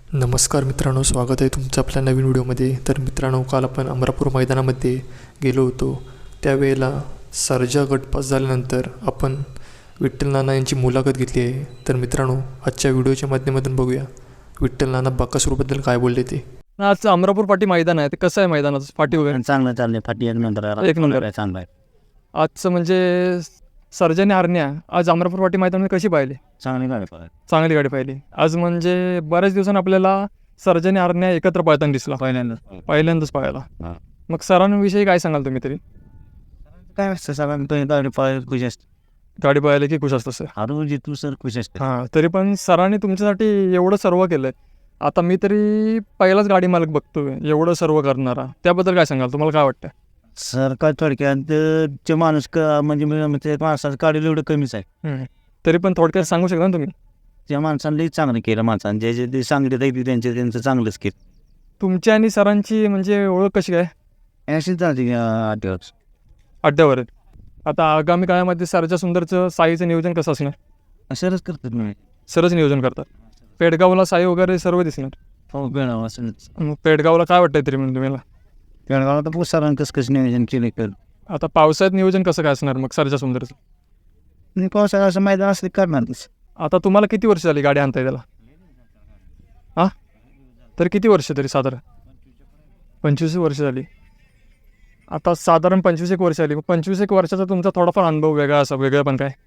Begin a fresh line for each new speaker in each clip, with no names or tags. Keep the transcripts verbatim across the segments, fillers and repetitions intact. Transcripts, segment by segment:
नमस्कार मित्रांनो, स्वागत आहे तुमचं आपल्या नवीन व्हिडिओमध्ये. तर मित्रांनो, काल आपण अमरापूर मैदानामध्ये गेलो होतो. त्यावेळेला सर्जा गट पास झाल्यानंतर आपण विठ्ठल नाना यांची मुलाखत घेतली आहे. तर मित्रांनो, आजच्या व्हिडिओच्या माध्यमातून बघूया विठ्ठल नाना बकासूरबद्दल काय बोलले ते.
आज अमरापूर पाटी मैदान आहे, ते कसं आहे मैदानाचं फाटी वगैरे?
चांगलं चाललंय. फाटी एक नंतर
एक नंबर
आहे, चांगला आहे.
आजचं म्हणजे सर्जाने हरण्या आज अमरापूर पाटी मैदानामध्ये कशी पाहिली?
चांगली गाडी पाहिजे.
चांगली गाडी पाहिली आज. म्हणजे बऱ्याच दिवसांनी आपल्याला सर्जाने हरण्या एकत्र पळताना दिसला,
पहिल्यांदा
पहिल्यांदाच पाहायला.
हा.
मग सरांविषयी काय सांगाल तुम्ही तरी?
काय असतं सगळ्यांना गाडी पाहिजे खुश असते.
गाडी पाहायला की खुश असतं सर?
हरू जितू सर खुश असते.
हां, तरी पण सरांनी तुमच्यासाठी एवढं सर्व केलं आहे. आता मी तरी पहिलाच गाडी मालक बघतोय एवढं सर्व करणारा, त्याबद्दल काय सांगाल? तुम्हाला काय वाटतं?
सर काय थोडक्यात ते माणूस का म्हणजे म्हणजे माणसाचं गाडी एवढं कमीच आहे.
तरी पण थोडक्यात सांगू शकता ना तुम्ही?
त्या माणसांनी चांगलं केलं. माणसानं जे जे ते सांगले ते त्यांचे त्यांचं चांगलंच केलं.
तुमची आणि सरांची म्हणजे ओळख कशी काय?
अशीच चालते आठवड
अड्ड्यावर. आता आगामी काळामध्ये सरजा सुंदरचं साईचं नियोजन कसं असणार?
सरच करतात मी.
सरच नियोजन करतात. पेडगावला साई वगैरे सर्व दिसणार.
हो बेळगाव असंच.
मग पेडगावला काय वाटतंय तरी म्हणून तुम्हाला?
बेळगावला तर सरांनी कसं कसं नियोजन केलं कर.
आता पावसाळ्यात नियोजन कसं काय असणार मग सरजा सुंदरचं?
आणि पावसाळा असं मैदान असलं करणारच.
आता तुम्हाला किती वर्ष झाली गाडी आणताय त्याला? हां, तर किती वर्ष तरी साधारण? पंचवीस वर्ष झाली. आता साधारण पंचवीस एक वर्ष आली. मग पंचवीस एक वर्षाचा तुमचा थोडाफार अनुभव वेगळा असा वेगळा पण काय?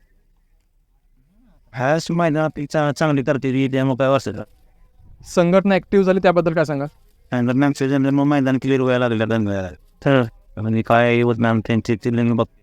ह्या मैदान आपली चा चांगली करते त्यामुळे काय वाचतं.
संघटना ॲक्टिव्ह झाली त्याबद्दल काय सांगा?
त्यानंतर मॅमचं जन मग मैदान क्लिअर व्हायला लागलं दंग तर म्हणजे काय होत मॅम त्यांचे चिल्लिंग बघ.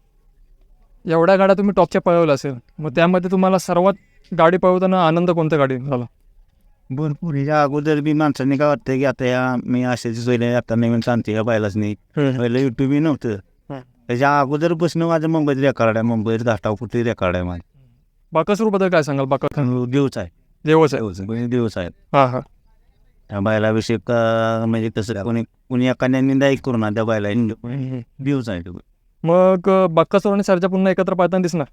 एवढ्या गाड्या तुम्ही टॉपच्या पळवल्या असेल, मग त्यामध्ये तुम्हाला सर्वात गाडी पळवताना आनंद कोणत्या गाडी झाला?
भरपूर ह्याच्या अगोदर बी माणसांनी काय वाटतं की आता या मी असेच सोयले आता नवीन सांगते का पाहिलाच नाही. पहिलं युट्यूबही नव्हतं. त्याच्या अगोदर बसणं माझं मुंबईत रेकॉर्ड आहे. मुंबईत घाटाव कुठे रेकॉर्ड आहे माझं.
बाकासूरबद्दल काय सांगाल? बाका
देवच आहे.
देवच आहे.
दिवस आहेत.
हां हां.
त्या बैलाविषयी का म्हणजे कसं कोणी कोणी एखाद्या निंदा करू ना त्या बैला दिवस आहे.
मग बाकासूर आणि सरजा पुन्हा एकत्र पाहताना दिसणार?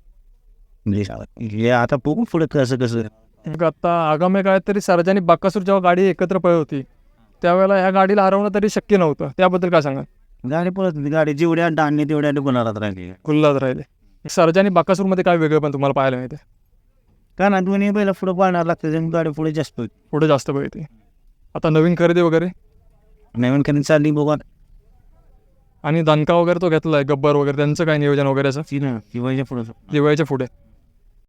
हे आता बघू पुढे कसं कसं.
मग आता आगामी काळात तरी सरजाने बाकासूर जेव्हा गाडी एकत्र पळत होती त्यावेळेला ह्या गाडीला हरवणं तरी शक्य नव्हतं, त्याबद्दल काय सांगाल?
गाडी पळत होती. गाडी जेवढ्या डाणणे तेवढ्या गुन्हारात राहिली.
खुल्लात राहिले. सरजाने बाकासूरमध्ये काय वेगळं पण तुम्हाला पाहायला मिळते?
का ना दोन्ही बैला पुढे पाळणार लागतं. गाडी पुढे जास्त
पुढे जास्त पळते. आता नवीन खरेदी वगैरे
नवीन खरेदी चालली बघा.
आणि दणका वगैरे तो घेतला आहे गब्बर वगैरे, त्यांचं काय नियोजन वगैरे असं
ती ना दिवाळीच्या पुढे
दिवाळीच्या पुढे?